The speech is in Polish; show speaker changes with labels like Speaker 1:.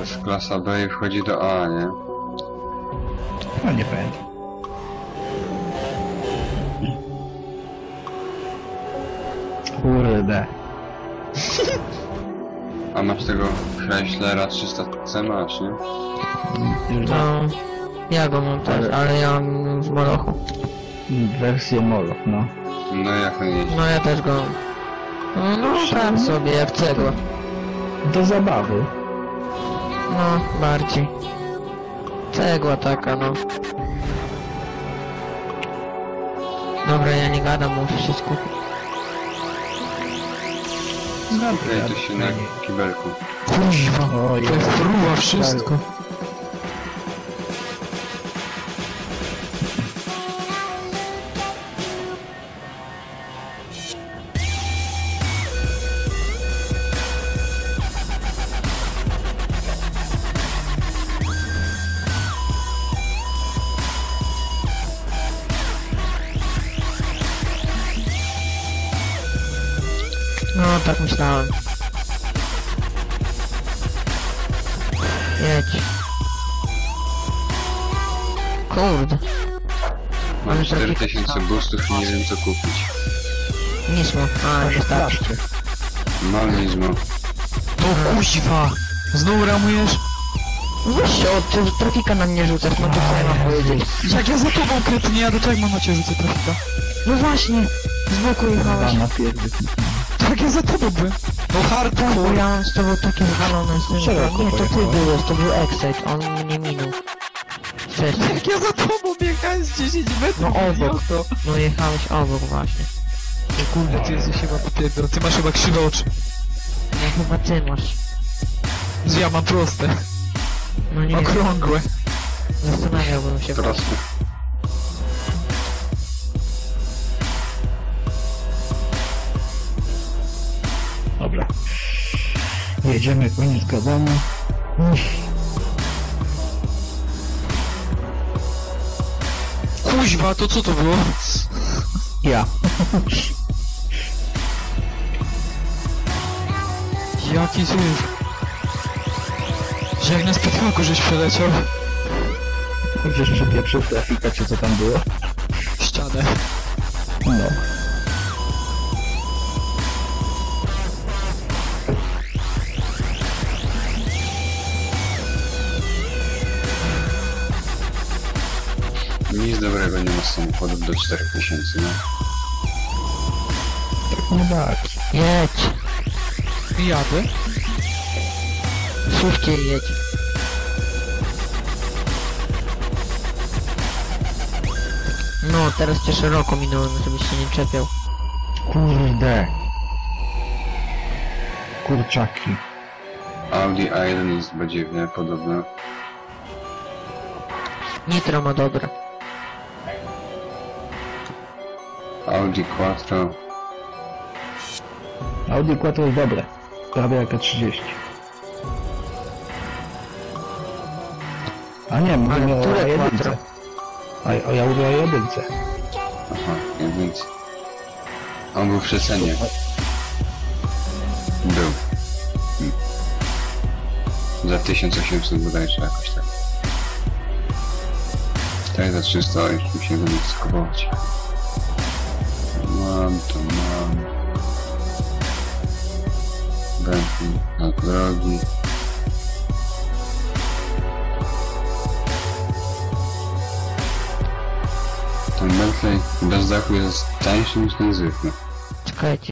Speaker 1: jest klasa B i wchodzi do A, nie?
Speaker 2: No nie pamiętam. Kurde.
Speaker 1: A masz tego Chryslera 300C masz, nie?
Speaker 2: Już
Speaker 3: No, ja go mam też, ale ja mam w Molochu.
Speaker 2: wersję Moloch, no.
Speaker 1: No jak on jeździ?
Speaker 3: No ja też go mam. No tak sobie, jak cegła.
Speaker 2: Do zabawy.
Speaker 3: No, bardziej. Cegła taka, no. Dobra, ja nie gadam, muszę wszystko.
Speaker 1: Ej, to się na kibelku.
Speaker 3: Kuźwa,
Speaker 2: Oj,
Speaker 3: to fruwa wszystko. No, tak myślałem. Jedź. Kurde.
Speaker 1: Mam
Speaker 3: Ale
Speaker 1: 4000 boostów i nie wiem co kupić.
Speaker 3: Nismo. A, nie starczy.
Speaker 1: Mam Nizmo.
Speaker 4: To kuźwa! Znowu ramujesz?
Speaker 3: Weź się od trafika na mnie rzucasz, no to co ja mam powiedzieć?
Speaker 4: Jak ja za tobą kretnie jadę, to jak mam na ciebie rzucę trafika?
Speaker 3: No właśnie, z boku jechałeś.
Speaker 2: na pierdzy.
Speaker 4: Tak ja za tobą byłem. No
Speaker 3: Bo
Speaker 4: hardcore!
Speaker 3: ja mam z tobą takie zwalone z tym.
Speaker 2: Szeroko
Speaker 3: Nie, to ty
Speaker 2: pojechałeś.
Speaker 3: byłeś, to był Excite, on mnie minął. Wcześniej.
Speaker 4: Jak ja za tobą biegałem z 10 metrów,
Speaker 3: No obok.
Speaker 4: idioto.
Speaker 3: No jechałeś obok właśnie.
Speaker 4: O kurde, ty jesteś chyba popierdol, ty masz chyba krzywe oczy.
Speaker 3: No chyba ty masz.
Speaker 4: Że ja mam proste,
Speaker 3: No nie wiem,
Speaker 4: okrągłe.
Speaker 3: zastanawiałbym się.
Speaker 1: Proste.
Speaker 2: Dobra. Jedziemy, koniec gadania.
Speaker 4: Kuźwa, to co to było?
Speaker 2: Ja.
Speaker 4: Jaki zły. Że jak na spytałku żeś przeleciał.
Speaker 2: Gdzieś przypieprzył trafika, czy co tam było?
Speaker 4: Ścianę.
Speaker 2: No.
Speaker 1: Nic dobrego nie ma z samochodów do 4000, no.
Speaker 2: Tak nie tak.
Speaker 3: Jedź,
Speaker 4: Jadę.
Speaker 3: szybciej jedź. No, teraz cię szeroko minąłem, żebyś się nie czepiał.
Speaker 2: Kurde. Kurczaki.
Speaker 1: Audi A1 jest badziewnie podobne.
Speaker 3: Nitro ma dobre.
Speaker 1: Audi Quattro.
Speaker 2: Audi Quattro jest dobre. Prawie jak A30. A nie, mówimy o
Speaker 3: które
Speaker 2: A1.
Speaker 3: Quattro?
Speaker 2: O ja mówię o A1.
Speaker 1: Aha, więc... On był w przecenie. Był. Za 1800 bodajże jakoś tak. Tak za 300 już mi się go nie chce kupować. Mam to mam. Bentley na drogi. Ten Bentley bez dachu jest tańszy niż ten zwykły.
Speaker 3: Czekajcie.